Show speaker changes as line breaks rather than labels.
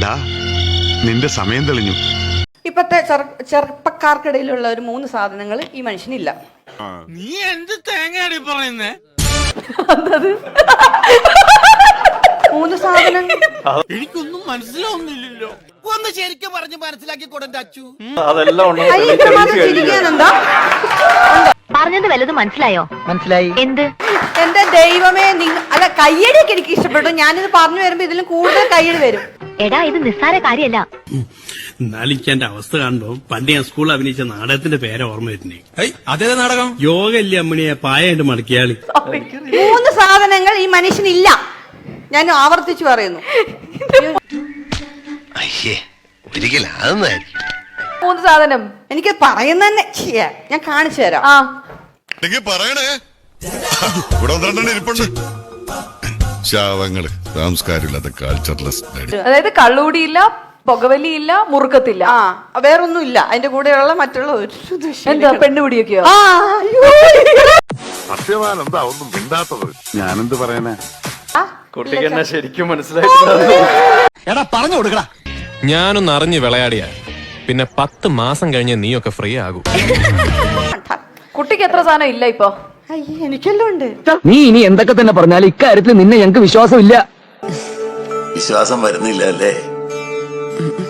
നിന്റെ സമയം തെളിഞ്ഞു.
ഇപ്പത്തെ ചെറുപ്പക്കാർക്കിടയിലുള്ള ഒരു 3 സാധനങ്ങൾ ഈ മനുഷ്യനില്ല.
നീ എന്ത് തേങ്ങയാടി പറയുന്നേ?
3 സാധനങ്ങൾ
എനിക്കൊന്നും മനസ്സിലാവുന്നില്ലല്ലോ.
ഒന്ന് ശരിക്കും പറഞ്ഞ് മനസ്സിലാക്കി കൊടുത്ത അച്ചു.
ചിരിക്കാനെന്താ?
പറഞ്ഞത് വല്ലതും മനസ്സിലായോ?
മനസ്സിലായി.
എന്ത്?
എന്റെ ദൈവമേ, അല്ല കയ്യടിയൊക്കെ എനിക്ക് ഇഷ്ടപ്പെട്ടു. ഞാനിത് പറഞ്ഞു വരുമ്പോ ഇതിലും കൂടുതൽ കയ്യടി വരും.
എടാ ഇത് നിസ്സാര കാര്യല്ല.
എന്നാലിന്റെ അവസ്ഥ കാണുമ്പോ പണ്ട് ഞാൻ സ്കൂളിൽ അഭിനയിച്ച നാടകത്തിന്റെ പേരെ ഓർമ്മ വരുന്നേ.
അതേ നാടകം
യോഗ ഇല്ലേ അമ്മണിയെ പായായിട്ട് മടക്കിയാളി.
3 സാധനങ്ങൾ ഈ മനുഷ്യനില്ല. ഞാൻ ആവർത്തിച്ചു പറയുന്നു.
ഒരിക്കലും
3 സാധനം എനിക്ക് പറയുന്ന തന്നെ ഞാൻ കാണിച്ചു തരാം.
പറയണേ, ഇവിടെ ഇരിപ്പുണ്ട്. ശാവങ്ങള് സംസ്കാരമില്ലാത്ത കൾച്ചർലെസ്.
അതായത് കള്ളുകൂടിയില്ല, പുകവലിയില്ല, മുറുക്കത്തില്ല,
വേറൊന്നുമില്ല. അതിന്റെ കൂടെയുള്ള മറ്റുള്ള
എന്താ പെണ്ണുപിടിയൊക്കെയോ?
സത്യവാൻ എന്താ ഒന്നും മിണ്ടാത്തത്? ഞാനെന്ത് പറയാനാ?
കുട്ടിക്ക് എന്നെ ശരിക്കും മനസ്സിലായിട്ടില്ല.
എടാ പറഞ്ഞു കൊടുക്കടാ.
ഞാനൊന്ന് അറിഞ്ഞ് വിളയാടിയ പിന്നെ 10 മാസം കഴിഞ്ഞ് നീയൊക്കെ ഫ്രീ ആകും.
കുട്ടിക്ക് എത്ര സാധനം ഇല്ല ഇപ്പൊ?
എനിക്കെല്ലാം ഉണ്ട്.
നീ ഇനി എന്തൊക്കെ തന്നെ പറഞ്ഞാലും ഇക്കാര്യത്തിൽ നിന്നെ ഞങ്ങൾക്ക് വിശ്വാസമില്ല.
വിശ്വാസം വരുന്നില്ല അല്ലേ?